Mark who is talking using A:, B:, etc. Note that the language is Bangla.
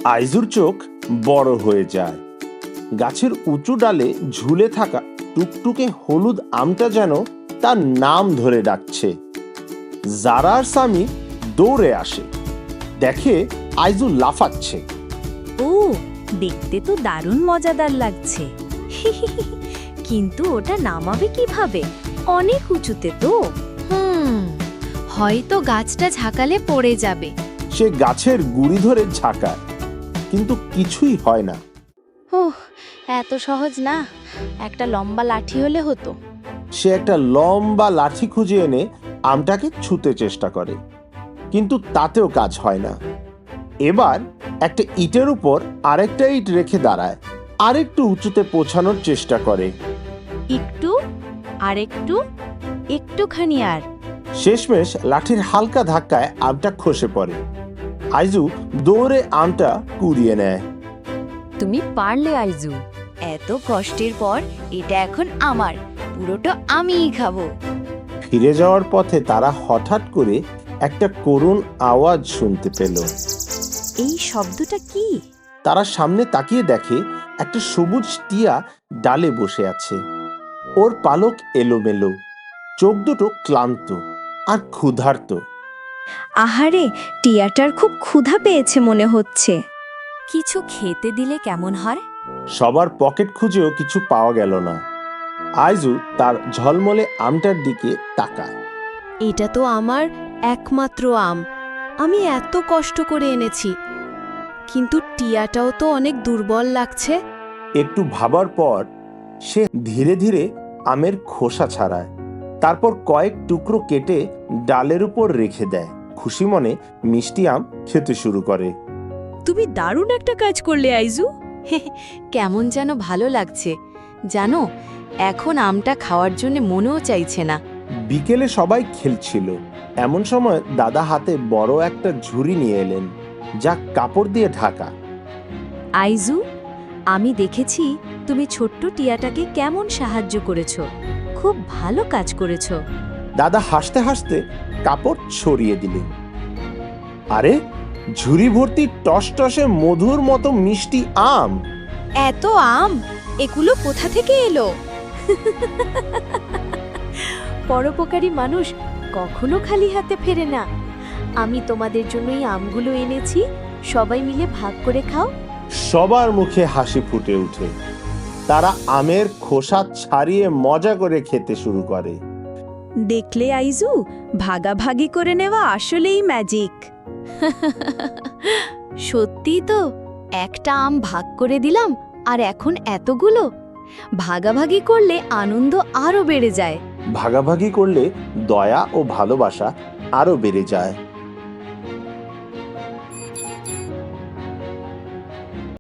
A: আইজুর চোখ বড় হয়ে যায়। গাছের উঁচু ডালে ঝুলে থাকা টুকটুকে হলুদ আমটা যেন তার নাম ধরে ডাকছে। জারা আর সামি দৌড়ে আসে, দেখে আইজু লাফাচ্ছে।
B: ও, দেখতে তো দারুণ মজাদার লাগছে। কিন্তু ওটা নামাবে কিভাবে? অনেক উঁচুতে তো।
C: হয়তো গাছটা ঝাঁকালে পড়ে যাবে।
A: সে গাছের গুড়ি ধরে ঝাঁকায়, কিন্তু কিছুই হয় না।
C: ওহ, এত সহজ না, একটা লম্বা লাঠি হলে হতো।
A: সে একটা লম্বা লাঠি খুঁজে এনে আমটাকে ছুঁতে চেষ্টা করে, কিন্তু তাতেও কাজ হয় না। এবার একটা ইটের উপর আরেকটা ইট রেখে দাঁড়ায়, আরেকটু উঁচুতে পৌঁছানোর চেষ্টা করে।
B: একটু, আরেকটু, একটুখানি আর।
A: শেষমেশ লাঠির হালকা ধাক্কায় আমটা খসে পড়ে। আইজু দৌড়ে আমটা কুড়িয়ে নেয়।
B: তুমি পারলে আইজু। এত কষ্টের পর এটা এখন আমার, পুরোটা আমিই খাবো।
A: ফিরে যাওয়ার পথে তারা হঠাৎ করে একটা করুণ আওয়াজ শুনতে পেল।
B: এই শব্দটা কি?
A: তারা সামনে তাকিয়ে দেখে একটা সবুজ টিয়া ডালে বসে আছে। ওর পালক এলোমেলো, চোখ দুটো ক্লান্ত আর ক্ষুধার্ত।
B: আহারে, টিয়াটার খুব ক্ষুধা পেয়েছে মনে হচ্ছে। কিছু খেতে দিলে কেমন হয়?
A: সবার পকেট খুঁজেও কিছু পাওয়া গেল না। আইজু তার ঝলমলে আমটার দিকে তাকায়।
C: এটা তো আমার একমাত্র আম, আমি এত কষ্ট করে এনেছি, কিন্তু টিয়াটাও তো অনেক দুর্বল লাগছে।
A: একটু ভাবার পর সে ধীরে ধীরে আমের খোসা ছাড়ায়, তারপর কয়েক টুকরো কেটে ডালের উপর রেখে দেয়। খুশি মনে মিষ্টি আম খেতে শুরু করে।
B: তুমি দারুণ একটা কাজ করলে আইজু।
C: কেমন যেন ভালো লাগছে জানো, এখন আমটা খাওয়ার জন্য মনেও চাইছে না।
A: বিকেলে সবাই খেলছিল, এমন সময় দাদা হাতে বড় একটা ঝুড়ি নিয়ে এলেন, যা কাপড় দিয়ে ঢাকা।
B: আইজু, আমি দেখেছি তুমি ছোট্ট টিয়াটাকে কেমন সাহায্য করেছো। খুব ভালো কাজ করেছো।
A: দাদা হাসতে হাসতে কাপড় ছড়িয়ে দিলেন। আরে, ঝুড়ি ভর্তি টসটসে মধুর মতো মিষ্টি আম।
C: এত আম, এগুলো কোথা থেকে এলো?
B: পরোপকারী মানুষ কখনো খালি হাতে ফেরে না। আমি তোমাদের জন্য এই আমগুলো এনেছি, সবাই মিলে ভাগ করে খাও।
A: সবার মুখে হাসি ফুটে ওঠে। তারা আমের খোসা ছাড়িয়ে মজা করে খেতে শুরু করে।
B: দেখলে আইজু, ভাগাভাগি করে নেওয়া আসলেই ম্যাজিক।
C: সত্যি তো, একটা আম ভাগ করে দিলাম আর এখন এতগুলো। ভাগাভাগি করলে আনন্দ আরো বেড়ে যায়।
A: ভাগাভাগি করলে দয়া ও ভালোবাসা আরো বেড়ে যায়।